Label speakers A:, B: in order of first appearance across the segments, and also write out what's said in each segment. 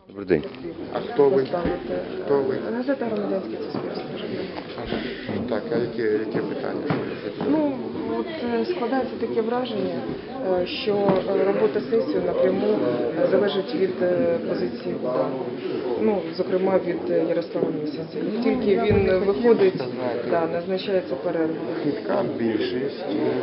A: Добрий день.
B: А хто ви? Хто ви?
C: Газета «Громадянське суспільство».
B: Так, а яке питання?
C: Ну, от складається таке враження, що робота сесії напряму залежить від позиції УДА. Ну, зокрема, від Ярослава Місяця. Як тільки він виходить, да, назначається перерва.
B: Хитка більшість,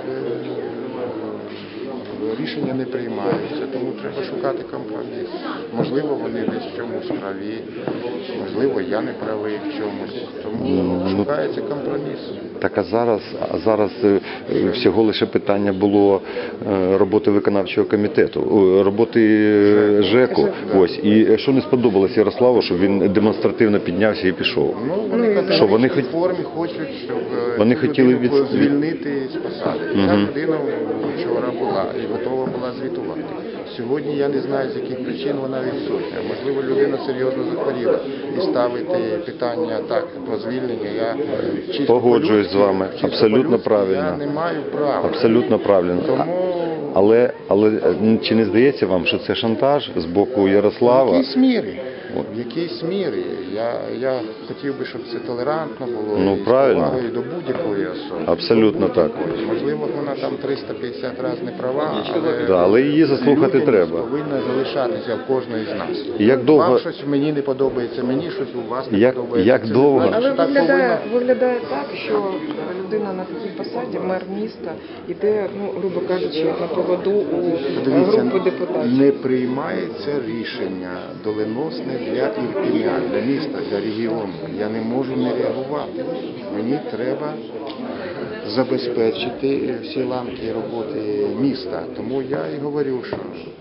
B: рішення не приймаються, тому треба шукати компроміс. Можливо, вони десь в чомусь праві, можливо, я не правий в чомусь, тому шукається компроміс.
A: Так, а зараз всього лише питання було роботи виконавчого комітету, роботи ЖЕКу. Ось. І що не сподобалось Ярославу, що він демонстративно піднявся і пішов?
B: Ну, вони казали,
A: що вони
B: що в формі хочуть, щоб
A: вони
B: цю
A: хотіли
B: людину звільнити з посади. Ця людина вчора була і готова була звітувати. Сьогодні я не знаю, з яких причин вона відсутня. Можливо, людина серйозно захворіла і ставити питання так про звільнення. Я чисто
A: Погоджуюсь з вами. Абсолютно правильно.
B: Я не маю права.
A: Абсолютно правильно.
B: Тому
A: Але чи не здається вам, що це шантаж з боку
B: в
A: Ярослава?
B: якійсь мірі. В якійсь мірі. Я хотів би, щоб це толерантно було
A: Ну,
B: і з
A: правильно.
B: повагою до будь-якої особи.
A: Абсолютно так.
B: Можливо, вона там 350 разів не права, але,
A: Да, але її заслухати
B: людяність
A: треба.
B: повинна залишатися в кожної з нас.
A: І як довго-
B: Вам щось мені не подобається, мені щось у вас не
A: Як
B: подобається. Це
A: довго-
B: не значить,
C: Але
B: що так
C: виглядає так, що людина на такій посаді, мер міста, йде, ну, грубо кажучи, на поводу у
B: Дивіться,
C: групи депутатів.
B: не приймається рішення доленосне для Ірпеня, для міста, для регіону. Я не можу не реагувати. Мені треба забезпечити всі ланки роботи міста. Тому я і говорю, що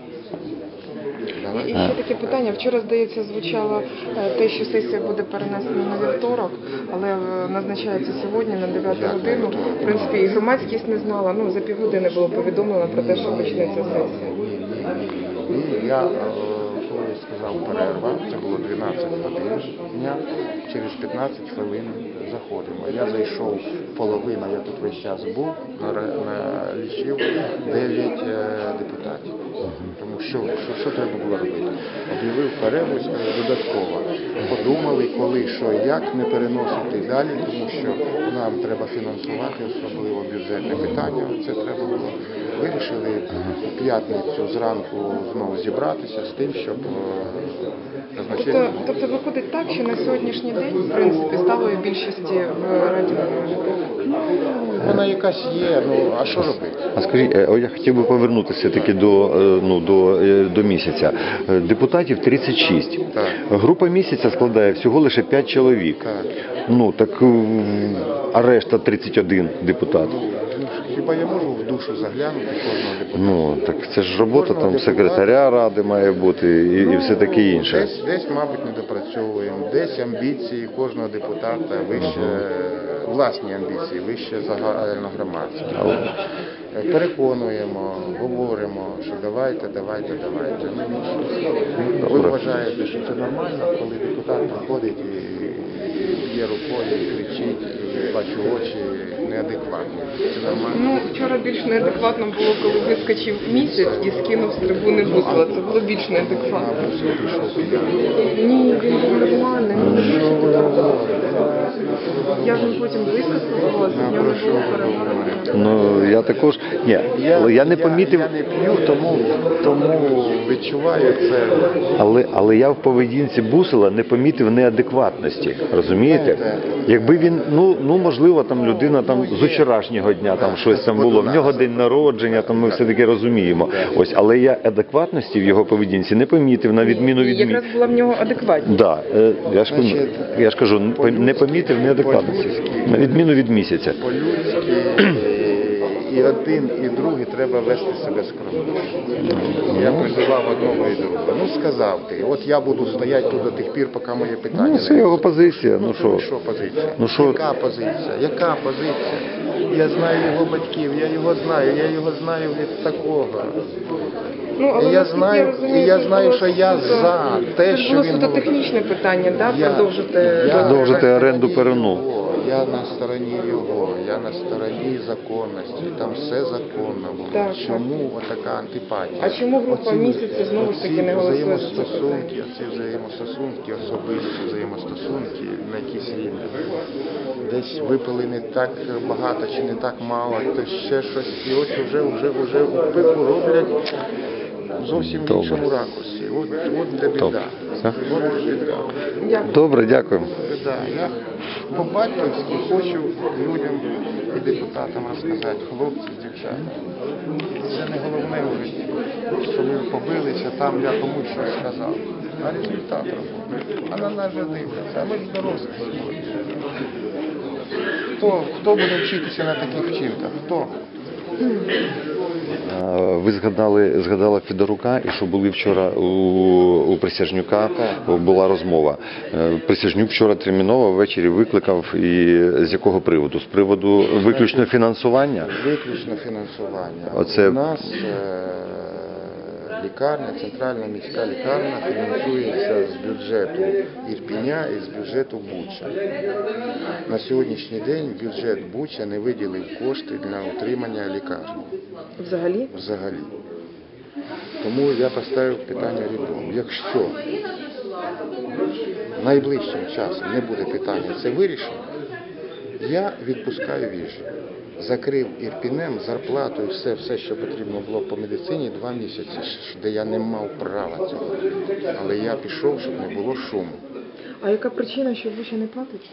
C: І ще таке питання. Вчора, здається, звучало те, що сесія буде перенесена на вівторок, але назначається сьогодні на 9 годину. В принципі, і громадськість не знала. Ну, за півгодини було повідомлено про те, що почнеться сесія.
B: Ні, я коли сказав перерва, це було 12 годин дня, через 15 хвилин заходимо. Я зайшов половина, я тут весь час був, налічив 9 депутатів. Тому що треба було робити? Об'явив перерву додатково. Подумали, коли, що, як не переносити далі, тому що нам треба фінансувати, особливо бюджетне питання. Це треба було. Вирішили у п'ятницю зранку знову зібратися з тим, щоб назначити.
C: Тобто виходить так, що на сьогоднішній день, в принципі, сталої більшості в Раді немає.
B: Вона якась є, ну а що робити?
A: А скажіть, я хотів би повернутися таки до місяця. Депутатів 36.
B: Так.
A: Група місяця складає всього лише 5 чоловік.
B: Так.
A: Ну, так, а решта 31 депутат.
B: Хіба я можу в душу заглянути кожного депутата?
A: Ну, так це ж робота
B: Кожного
A: там
B: депутата.
A: секретаря ради має бути і все таке інше.
B: Десь, мабуть, не допрацьовуємо, десь амбіції кожного депутата вище, власні амбіції, вище загальногромадські. Переконуємо, говоримо, що давайте. Ви вважаєте, що це нормально, коли депутат приходить і б'є рукою, і кричить, і бачу очі неадекватні. Це нормально?
C: Ну, вчора більш неадекватно було, коли вискочив місяць і скинув з трибуни Бусла. Це було більш неадекватно.
B: Мабуть, він прийшов п'яний.
C: Ні, він був нормальний. Ну, більше такого. Я ж потім близько спілкувалася, в нього не було перемоги.
A: Ну, я також, ні, я не помітив,
B: Я не п'ю, тому відчуваю це.
A: але я в поведінці Бусела не помітив неадекватності, розумієте? Якби він, ну можливо, там людина там з вчорашнього дня там щось там було, в нього день народження, там ми все-таки розуміємо. Ось, але я адекватності в його поведінці не помітив, на відміну від
C: Якраз була в нього адекватність.
A: Да, я ж кажу, не помітив неадекватності, на відміну від місяця.
B: По-людськи і один, і другий треба вести себе скромно. Я призивав одного і другого. Ну, сказав ти, от я буду стояти тут до тих пір, поки моє питання
A: Ну,
B: не
A: це його позиція, ну що?
B: Що позиція?
A: Ну, що?
B: Яка позиція? Яка позиція? Я знаю його батьків, я його знаю від такого.
C: Ну, але
B: Я
C: наскільки
B: знаю,
C: розумію,
B: і я
C: це
B: знаю,
C: було
B: що я
C: суто-
B: за те,
C: це
B: що
C: було
B: він
C: суто
B: говорить.
C: технічне питання, да?
B: Я-
C: Продовжити.
A: Продовжити оренду Перуну.
B: Я на стороні його, я на стороні законності, там все законно було.
C: Так,
B: Чому отака антипатія?
C: А чому група місяців знову ж таки не голосує за це питання?
B: Оці взаємостосунки, особисті взаємостосунки на якісь рівні. Десь випили не так багато чи не так мало, то ще щось. І ось вже у пику роблять зовсім в іншому ракурсі. От де біда.
A: Добре. Все?
B: От де біда.
C: Дякую.
A: Добре, дякую.
B: Да, я по-батьківськи хочу людям і депутатам розказати, хлопці, дівчата. Це не головне в житті, що ми побилися, там я комусь щось сказав. А результат роботи. А на нас же дивляться, а ми ж дорослі сьогодні. Хто буде вчитися на таких вчинках? Хто?
A: Ви згадали Федорука, і що були вчора у Присяжнюка, була розмова. Присяжнюк вчора терміново ввечері викликав, і з якого приводу? З приводу виключно фінансування?
B: Виключно фінансування.
A: Оце-
B: У нас лікарня, центральна міська лікарня фінансується з бюджету Ірпеня і з бюджету Буча. На сьогоднішній день бюджет Буча не виділив кошти для утримання лікарні.
C: Взагалі?
B: Взагалі. Тому я поставив питання рядом. Якщо найближчим часом не буде питання це вирішено, я відпускаю віжі. Закрив Ірпінем зарплату і все, що потрібно було по медицині 2 місяці, де я не мав права цього. Але я пішов, щоб не було шуму.
C: А яка причина, що Буча не платить?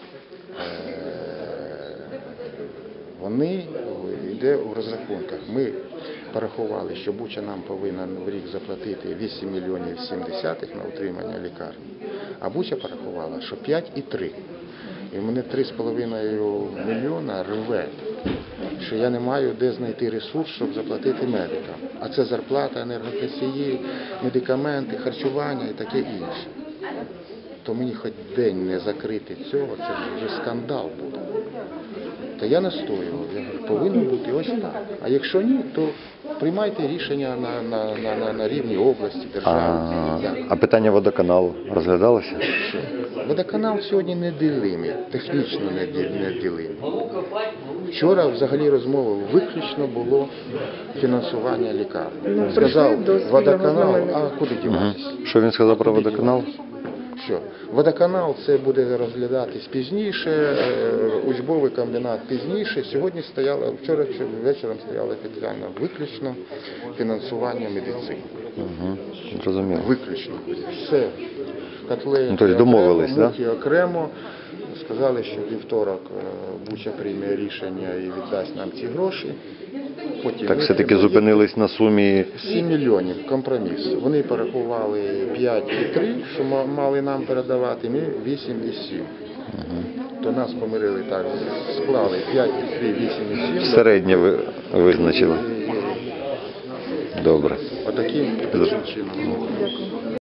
B: Вони йде у розрахунках. Ми порахували, що Буча нам повинна в рік заплатити 8 мільйонів 7 на утримання лікарні. А Буча порахувала, що 5,3. І в мене 3,5 мільйона рве, що я не маю де знайти ресурс, щоб заплатити медикам. А це зарплата, енергоносії, медикаменти, харчування і таке інше. То мені хоч день не закрити цього, це вже скандал буде. Та я настоював, я говорю, повинно бути ось так. А якщо ні, то приймайте рішення на рівні області, держави.
A: А питання водоканалу розглядалося?
B: Водоканал сьогодні неділимий, технічно неділимий. Вчора взагалі розмова виключно було фінансування лікарні.
C: Ну,
B: Сказав
C: прийшли до спільного
B: водоканал,
C: знаменника.
B: а куди діватися?
A: Що він сказав про водоканал?
B: Що? Водоканал це буде розглядатись пізніше, учбовий комбінат пізніше. Сьогодні стояло, вчора вечором стояло питання виключно фінансування медицини.
A: Зрозуміло.
B: Виключно. Все. Котлети
A: Ну, тобто домовились,
B: окремо,
A: да?
B: мухи окремо. Сказали, що вівторок Буча прийме рішення і віддасть нам ці гроші. Потім
A: Так
B: ми
A: все-таки
B: приймемо.
A: зупинились на сумі
B: 7 мільйонів компроміс. Вони порахували 5,3, що мали нам передавати, ми 8,7. То нас помирили так, склали 5,3, 8,7.
A: середнє визначили. Добре.
B: Отаким чином.
C: Дякую.